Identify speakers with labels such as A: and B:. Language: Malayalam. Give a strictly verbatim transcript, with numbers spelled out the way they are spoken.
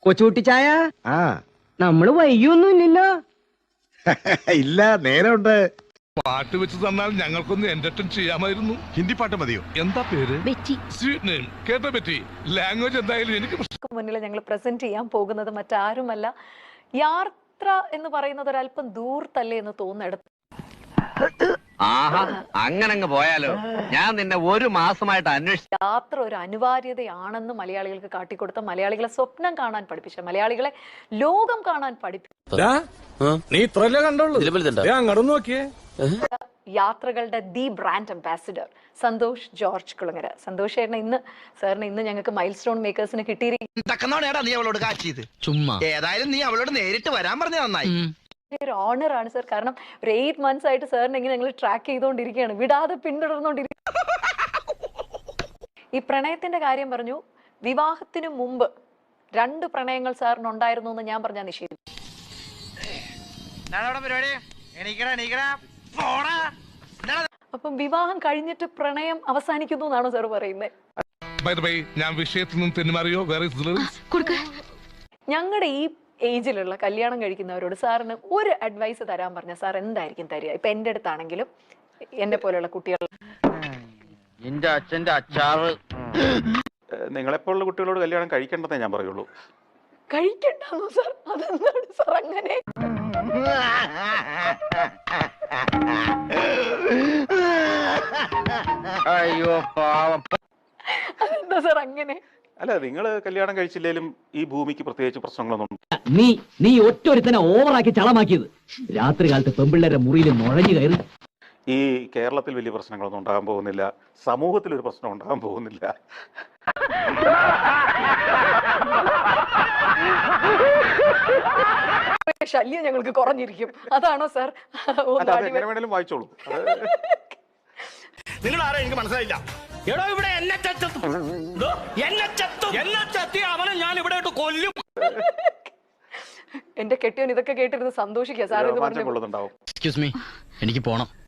A: കൊച്ചുകുട്ടിച്ചായ
B: ആ
A: നമ്മള് വൈകിയൊന്നുമില്ലല്ലോ.
B: ഇല്ല, നേരമുണ്ട്.
C: പാട്ട് വെച്ച് തന്നാൽ ഞങ്ങൾക്കൊന്ന് എന്റർടൈൻ ചെയ്യാമായിരുന്നു.
B: ഹിന്ദി പാട്ട് മതിയോ?
C: എന്താ പേര്?
D: ബെറ്റി.
C: Sweet name. കേട്ടോ ബെറ്റി? ലാംഗ്വേജ് എന്തായാലും എനിക്ക്
E: മുന്നിൽ ഞങ്ങൾ പ്രസന്റ് ചെയ്യാൻ പോകുന്നത് മറ്റാരുമല്ല, യാത്ര എന്ന് പറയുന്നത് ഒരല്പം ദൂരത്തല്ലേ എന്ന് തോന്നുന്നിടത്ത്.
F: ആഹാ, അങ്ങനെ പോയാലോ? ഞാൻ നിന്നെ ഒരു മാസമായിട്ട് അന്വേഷിച്ചു.
E: യാത്ര ഒരു അനിവാര്യതയാണെന്ന് മലയാളികൾക്ക് കാട്ടിക്കൊടുത്ത, മലയാളികളെ സ്വപ്നം കാണാൻ പഠിപ്പിച്ച, മലയാളികളെ ലോകം കാണാൻ പഠിപ്പിച്ച,
C: നീ ഇത്രല്ലേ കണ്ടോളൂ. അങ്ങോട്ട് നോക്കിയേ.
E: യാത്രകളുടെ the brand ambassador Santhosh George Kulangara. Santhosh ചേട്ടനെ ഇന്ന് സാറിന് ഇന്ന് ഞങ്ങൾക്ക് മൈൽ സ്റ്റോൺ മേക്കേഴ്സിന് കിട്ടിയിരിക്കും.
G: നീ അവളോട് കാച്ചിയത് ചുമ്മാ. ഏതായാലും നീ അവളോട് നേരിട്ട് വരാൻ പറഞ്ഞ നന്നായി.
E: ഒരു ഓണർ ആണ് സാർ. കാരണം ഒരു എയ്റ്റ് മന്ത്സ് ആയിട്ട് സാറിനെ ഇങ്ങനെ ഞങ്ങൾ ട്രാക്ക് ചെയ്തുകൊണ്ടിരിക്കുകയാണ്, വിടാതെ പിന്തുടർന്നുകൊണ്ടിരിക്കുകയാണ്. ഈ പ്രണയത്തിന്റെ കാര്യം പറഞ്ഞു. വിവാഹത്തിന് മുമ്പ് രണ്ട് പ്രണയങ്ങൾ സാറിന് ഉണ്ടായിരുന്നു എന്ന് ഞാൻ പറഞ്ഞാൽ നിഷേധിക്കും. അപ്പം വിവാഹം കഴിഞ്ഞിട്ട് പ്രണയം അവസാനിക്കുന്നു എന്നാണോ സാർ പറയുന്നത്?
C: ഞാൻ വിഷയത്തിൽ നിന്നും തെന്നുമാറിയോ?
E: ഞങ്ങളുടെ ഈ ഏജിലുള്ള കല്യാണം കഴിക്കുന്നവരോട് സാറിന് ഒരു അഡ്വൈസ് തരാൻ പറഞ്ഞ സാർ എന്തായിരിക്കും തരിക? ഇപ്പൊ എന്റെ അടുത്താണെങ്കിലും എന്നെ പോലെയുള്ള കുട്ടികൾ,
F: എന്റെ അച്ഛന്റെ അച്ചാറ്.
H: നിങ്ങളെപ്പോലുള്ള കുട്ടികളോട് കല്യാണം കഴിക്കേണ്ടതേ ഞാൻ പറയുള്ളൂ.
E: കഴിക്കണ്ടോ സാർ? അതെന്താണ് സാർ അങ്ങനെ?
F: അയ്യോ പാവം.
E: അതെന്താ സാർ അങ്ങനെ?
H: അല്ല, നിങ്ങൾ കല്യാണം കഴിച്ചില്ലേലും ഈ ഭൂമിക്ക് പ്രത്യേകിച്ച് പ്രശ്നങ്ങളൊന്നും.
A: നീ നീ ഒറ്റൊരുത്തനെ ഓവറാക്കി ചളമാക്കിയത്. രാത്രി കാലത്ത് പെമ്പിള്ളേരുടെ മുറിയിൽ നുഴഞ്ഞു കയറി.
H: ഈ കേരളത്തിൽ വലിയ പ്രശ്നങ്ങളൊന്നും ഉണ്ടാകാൻ പോകുന്നില്ല, സമൂഹത്തിൽ ഒരു പ്രശ്നം ഉണ്ടാകാൻ പോകുന്നില്ല.
E: ശല്യം ഞങ്ങൾക്ക് കുറഞ്ഞിരിക്കും. അതാണോ സാർ?
H: അല്ല, അത് എങ്ങനെ വേണേലും വായിച്ചോളൂ.
G: നിങ്ങൾ ആരാ എനിക്ക് മനസ്സിലായില്ല. എടോ, ഇവിടെ എന്നെ ചത്തും എന്നെ ചത്തും എന്നെ ചത്തി അവനെ ഞാൻ ഇവിടെ കൊല്ലും.
E: എന്റെ കെട്ടിയോൻ ഇതൊക്കെ കേട്ടിരുന്ന് സന്തോഷിക്കുക സാർ. ഇത്
H: മാറ്റം കൊള്ളുന്നുണ്ടാവും.
G: എക്സ്ക്യൂസ് മീ, എനിക്ക് പോണം.